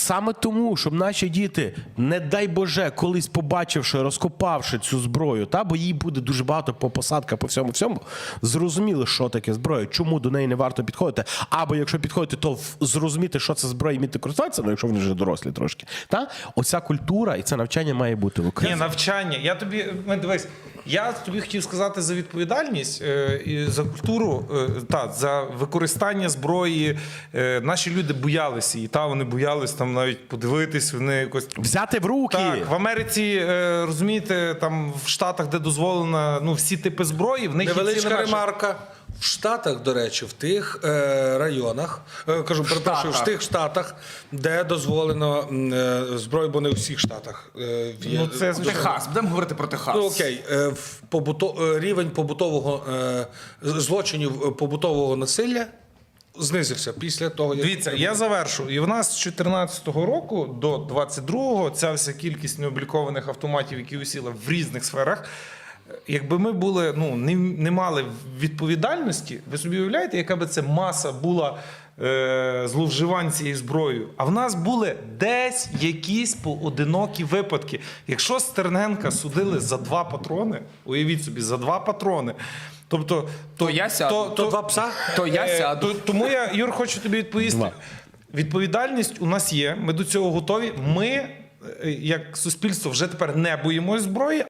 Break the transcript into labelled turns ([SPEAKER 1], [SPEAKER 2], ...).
[SPEAKER 1] саме тому, щоб наші діти, не дай Боже, колись побачивши, розкопавши цю зброю, бо їй буде дуже багато по посадках, по всьому, зрозуміли, що таке зброя, чому до неї не варто підходити. Або якщо підходити, то зрозуміти, що це зброя, і вміти користуватися, якщо вони вже дорослі трошки. Оця культура і це навчання має бути в Україні.
[SPEAKER 2] Ні, навчання. Дивись, я тобі хотів сказати за відповідальність і за культуру, за використання зброї. Наші люди боялися її, вони боялись там навіть подивитись, вони якось...
[SPEAKER 1] Взяти в руки!
[SPEAKER 2] Так, в Америці, розумієте, там в Штатах, де дозволено всі типи зброї, в них
[SPEAKER 3] невеличка ремарка. В Штатах, до речі, в тих районах, в тих штатах, де дозволено зброю, бо не у всіх штатах.
[SPEAKER 2] Це
[SPEAKER 4] Техас, будемо говорити про Техас.
[SPEAKER 3] Окей, рівень побутового злочинів побутового насилля знизився після того, як...
[SPEAKER 2] Дивіться, я завершу. І в нас з 2014 року до 2022 ця вся кількість необлікованих автоматів, які усіла в різних сферах, якби ми були, не мали відповідальності, ви собі уявляєте, яка би це маса була зловживань цією зброєю? А в нас були десь якісь поодинокі випадки. Якщо Стерненка судили за 2 патрони, уявіть собі, за 2 патрони, тобто...
[SPEAKER 4] То я сяду.
[SPEAKER 3] То 2 пса?
[SPEAKER 4] То я сяду.
[SPEAKER 2] Тому я, Юр, хочу тобі відповісти. Відповідальність у нас є, ми до цього готові. Ми, як суспільство, вже тепер не боїмось зброї,